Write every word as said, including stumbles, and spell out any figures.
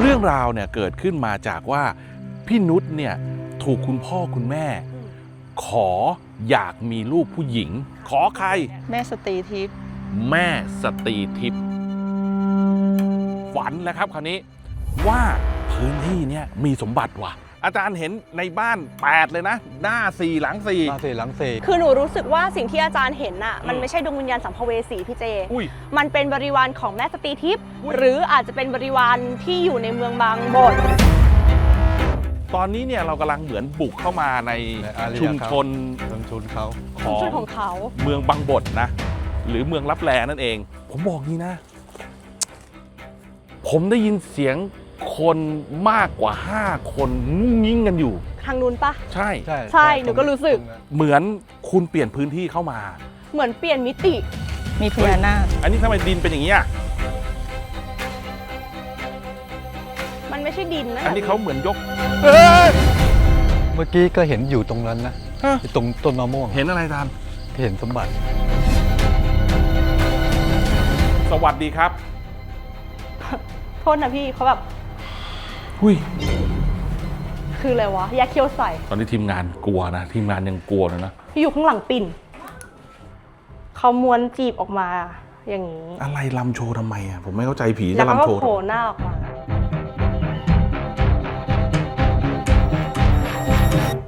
เรื่องราวเนี่ยเกิดขึ้นมาจากว่าพี่นุชเนี่ยถูกคุณพ่อคุณแม่ ขออยากมีลูกผู้หญิง ขอใครแม่สตรีทิพย์แม่สตรีทิพย์ฝันแล้วครับคราวนี้ว่าพื้นที่เนี่ยมีสมบัติว่ะ อาจารย์เห็นในบ้านแปดเลยนะ หน้าสี่หลังสี่หลังสี่หลังสี่คือหนูรู้สึกว่าสิ่งที่อาจารย์เห็นน่ะมันอืมไม่ใช่ดวงวิญญาณสัมภเวสีพี่เจอุ้ยมันเป็นบริวารของแม่สตรีทิพย์อุ๊ยหรืออาจจะเป็นบริวารที่อยู่ในเมืองบางบดตอนนี้เนี่ยเรากำลังเหมือนบุกเข้ามาในในอาเรียชุมครับชนชุมชนเขาขอชุดงของเขาเมืองบางบดนะ หรือเมืองลับแลนั่นเอง ผมบอกนี่นะ ผมได้ยินเสียงคนมากกว่าห้าคนงุ้งงิ้งกันอยู่ทางนู้นปะใช่ใช่ใช่หนูก็รู้สึกตงนั้นเหมือนคุณเปลี่ยนพื้นที่เข้ามาเหมือนเปลี่ยนมิติมีพญานาคอันนี้ทำไมดินเป็นอย่างนี้อ่ะมันไม่ใช่ดินนะอันนี้เขาเหมือนยกเอ้ยเมื่อกี้ก็เห็นอยู่ตรงนั้นนะฮะตรงต้นมะม่วงเห็นอะไรทานเห็นสมบัติสวัสดีครับโทษนะพี่เขาแบบหุยคืออะไรวะยาเคี้ยวใส่ตอนนี้ทีมงานกลัวนะ ทีมงานยังกลัวเลยนะพี่อยู่ข้างหลังปิ่นเขาม้วนจีบออกมาอย่างนี้อะไรลำโชว์ทำไมอ่ะ ผมไม่เข้าใจผีแล้จะวเขาลำก็โชว์โผทำล่ไมหน้าออกมา